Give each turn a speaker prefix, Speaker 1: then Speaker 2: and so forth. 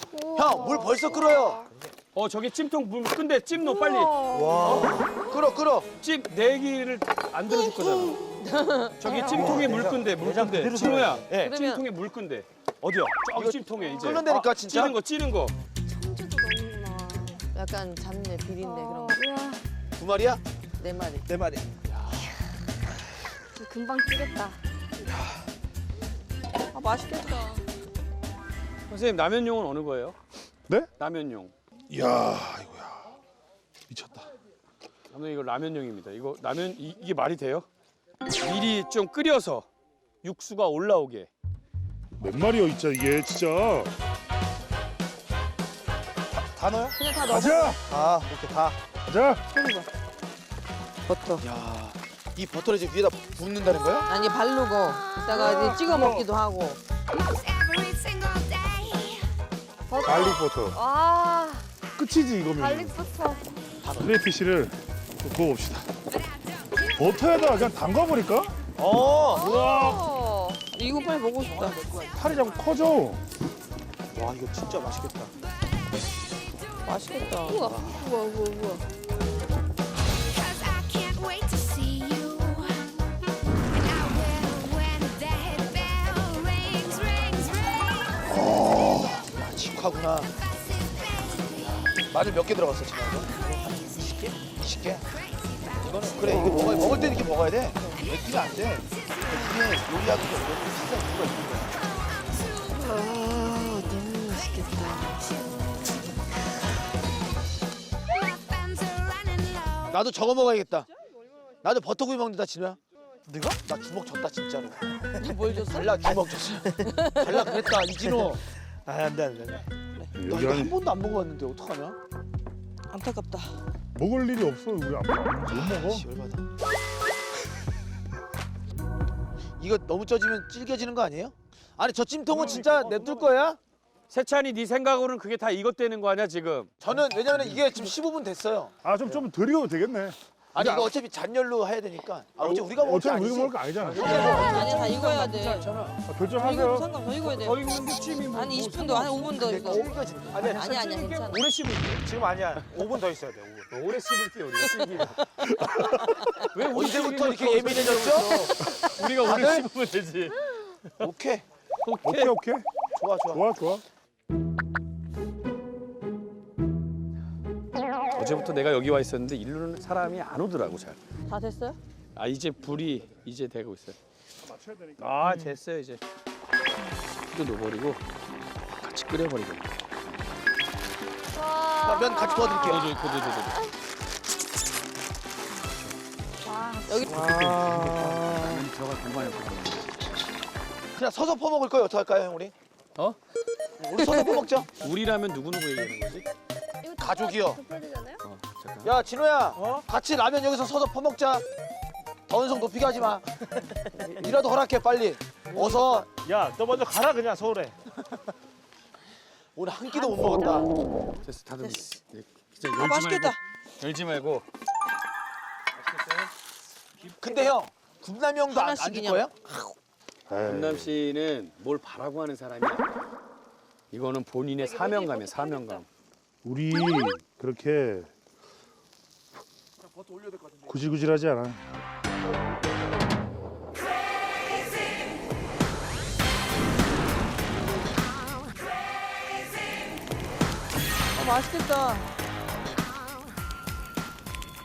Speaker 1: 형, 물 벌써 끓어요.
Speaker 2: 저기 찜통 물 끈대 찜 넣어 빨리.
Speaker 1: 와. 끓어.
Speaker 2: 찜 내기를 안 들어줄 거잖아. 저기 찜통에 물 끈대 물 끈대. 진호야.
Speaker 1: 예.
Speaker 2: 찜통에 물 끈대.
Speaker 1: 어디요?
Speaker 2: 저기 찜통에 이제.
Speaker 1: 끓는다니까 진짜.
Speaker 2: 찌는 거.
Speaker 3: 청주도 넣는구나.
Speaker 4: 약간 잡내, 비린내 그런 거.
Speaker 3: 우와,
Speaker 1: 두 마리야?
Speaker 4: 4마리.
Speaker 1: 네 마리.
Speaker 3: 금방 찌겠다.
Speaker 4: 아, 맛있겠다.
Speaker 2: 선생님 라면용은 어느 거예요?
Speaker 5: 네?
Speaker 2: 라면용.
Speaker 5: 이야, 이거야. 미쳤다.
Speaker 2: 감독님 이거 라면용입니다. 이거 라면 이게 말이 돼요? 미리 좀 끓여서 육수가 올라오게.
Speaker 5: 몇 마리여 있자 이게 진짜.
Speaker 1: 다 넣어요?
Speaker 4: 그냥 다 넣어.
Speaker 5: 가자.
Speaker 1: 아, 이렇게 다.
Speaker 5: 가자.
Speaker 4: 버터.
Speaker 1: 야, 이 버터를 이제 위에다 붓는다는 거야?
Speaker 4: 아니, 바르고 이따가 이제 찍어 먹기도 하고.
Speaker 5: 갈릭 버터.
Speaker 3: 와,
Speaker 5: 끝이지 이거면.
Speaker 3: 갈릭부터.
Speaker 5: 크레이피쉬를 좀 구워봅시다. 버터에다가 그냥 담가버릴까?
Speaker 4: 우와. 이거 빨리 먹고 싶다.
Speaker 5: 살이 자꾸 커져.
Speaker 1: 와, 이거 진짜 맛있겠다.
Speaker 4: 맛있겠다.
Speaker 3: 우와.
Speaker 1: 야, 직화구나. 마늘 몇 개 들어갔어, 지금 이거? 한 20개? 20개? 이거는 그래, 이거 먹을 때 이렇게 먹어야 돼. 맥주는 안 돼. 맥주는 요리하기 너무 비싼 이유가 있는 거야.
Speaker 4: 아, 너무 맛있겠다.
Speaker 1: 나도 저거 먹어야겠다. 나도 버터구이 먹는다, 진우야. 네가? 나 주먹 줬다, 진짜로.
Speaker 4: 뭘 줬어?
Speaker 1: 달라, 주먹 줬어. 달라 그랬다, 이진호. 아, 안 돼. 나
Speaker 5: 여기
Speaker 1: 이거 한
Speaker 5: 안에
Speaker 1: 번도 안 먹어봤는데 어떡하냐?
Speaker 4: 안타깝다.
Speaker 5: 먹을 일이 없어. 우리 못 먹어.
Speaker 1: 씨, 열받아. 이거 너무 쪄지면 질겨지는 거 아니에요? 아니, 저 찜통은 진짜 냅둘 거야?
Speaker 2: 세찬이 네 생각으로는 그게 다 이것 되는 거 아니야 지금?
Speaker 1: 저는 왜냐면 이게 지금 15분 됐어요.
Speaker 5: 좀 덜 익어도 되겠네.
Speaker 1: 아니, 이거 어차피 잔열로 해야 되니까. 아버지 우리가 먹을 게
Speaker 5: 어차피 우리가
Speaker 1: 아니지.
Speaker 5: 먹을 거 아니잖아.
Speaker 4: 아니, 다 익어야 돼.
Speaker 5: 아,
Speaker 4: 이거
Speaker 5: 결정하세요.
Speaker 4: 상관 더 익어야 돼.
Speaker 2: 더 익는데 찜이 뭐.
Speaker 4: 아니, 20분 더, 한 5분 더 익어.
Speaker 1: 찜까지. 아니,
Speaker 4: 아니야, 괜찮아.
Speaker 2: 오래 씹을게.
Speaker 6: 지금 아니야. 5분 더 있어야 돼. 5분.
Speaker 2: 오래 씹을게 우리가 씹기가. 왜 우리
Speaker 1: 언제부터
Speaker 2: 씹기가
Speaker 1: 이렇게 예민해졌죠?
Speaker 2: 우리가 오래
Speaker 1: 다들?
Speaker 2: 씹으면 되지.
Speaker 1: 오케이.
Speaker 5: 오케이.
Speaker 1: 좋아.
Speaker 2: 어제부터 내가 여기 와 있었는데 일로는 사람이 안 오더라고 잘.
Speaker 4: 다 됐어요?
Speaker 2: 아 이제 불이 이제 되고 있어요. 아 됐어요 이제. 또 넣어버리고 같이 끓여버리고.
Speaker 1: 나 면 같이 도와드릴게요.
Speaker 2: 넣어줘.
Speaker 4: 여기
Speaker 2: 라면이 들어갈 공간이 없어.
Speaker 1: 그냥 서서 퍼먹을 거예요. 어떡할까요, 형 우리?
Speaker 2: 어?
Speaker 1: 우리 서서 퍼먹자.
Speaker 2: 우리라면 누구 얘기하는 거지?
Speaker 3: 이거 다
Speaker 1: 가족이요.
Speaker 3: 덮여지잖아요?
Speaker 2: 잠깐.
Speaker 1: 야, 진호야. 같이 라면 여기서 서서 퍼먹자. 더운성 높이게 하지 마. 이라도 허락해, 빨리. 어서.
Speaker 6: 야, 너 먼저 가라 그냥 서울에.
Speaker 1: 오늘 한 끼도 못 먹었다.
Speaker 2: 됐어 다듬. 네, 진짜
Speaker 4: 아, 맛있겠다.
Speaker 2: 열지 말고.
Speaker 1: 근데 형, 군남이 형도 안
Speaker 4: 하나씩
Speaker 1: 줄
Speaker 4: 그냥.
Speaker 1: 거예요?
Speaker 2: 김남 씨는 뭘 바라고 하는 사람이야. 이거는 본인의 사명감이야 사명감.
Speaker 5: 우리 그렇게 구질구질하지 않아.
Speaker 4: 맛있겠다.